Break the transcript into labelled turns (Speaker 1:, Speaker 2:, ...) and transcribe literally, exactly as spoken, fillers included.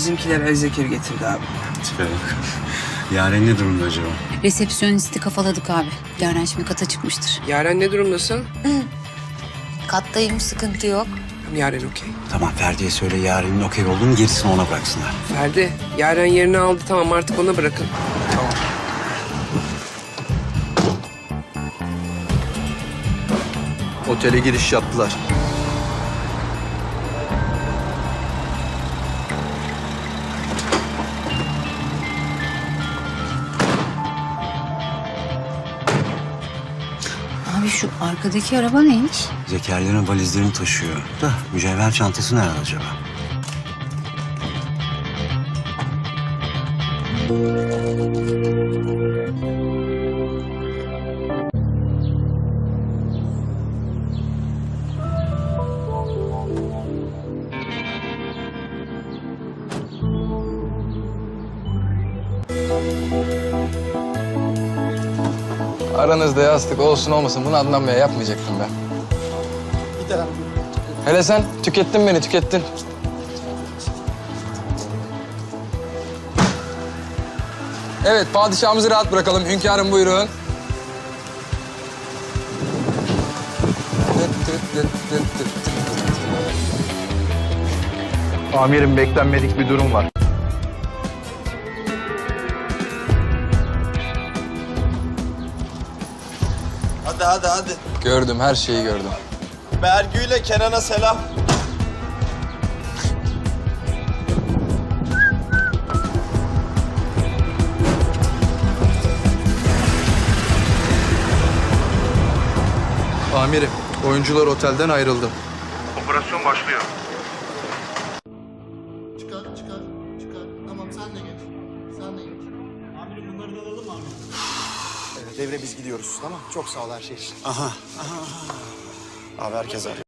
Speaker 1: bizimkiler El Zekir getirdi abi.
Speaker 2: Tipe bak. Yaren ne durumda acaba?
Speaker 3: Resepsiyonisti kafaladık abi. Yaren şimdi kata çıkmıştır.
Speaker 1: Yaren ne durumdasın?
Speaker 3: Kattayım, sıkıntı yok.
Speaker 1: Yaren okey.
Speaker 2: Tamam Ferdi'ye söyle Yaren'in okey olduğunu gerisini ona bıraksınlar.
Speaker 1: Ferdi, Yaren yerini aldı, tamam artık ona bırakın.
Speaker 2: Tamam.
Speaker 4: Otele giriş yaptılar.
Speaker 3: Abi şu arkadaki araba neymiş?
Speaker 2: Zekerlerin valizlerini taşıyor. Da mücevher çantası nerede acaba?
Speaker 5: Aranızda yastık olsun olmasın bunu Adnan Bey'e yapmayacaktım ben. Hele sen tükettin beni, tükettin. Evet, padişahımızı rahat bırakalım. Hünkârım buyurun.
Speaker 4: Amirim beklenmedik bir durum var.
Speaker 6: Hadi hadi hadi.
Speaker 5: Gördüm, her şeyi gördüm.
Speaker 6: Bergü'yle Kenan'a selam.
Speaker 4: Amirim, oyuncular otelden ayrıldı.
Speaker 7: Operasyon başlıyor.
Speaker 8: Çıkar, çıkar, çıkar. Tamam sen de geç. Sen de geç. Amirim bunları da alalım mı amirim?
Speaker 6: Evet, devre biz gidiyoruz tamam. Çok sağ ol her şey için.
Speaker 2: Aha.
Speaker 6: Abi herkes arıyor.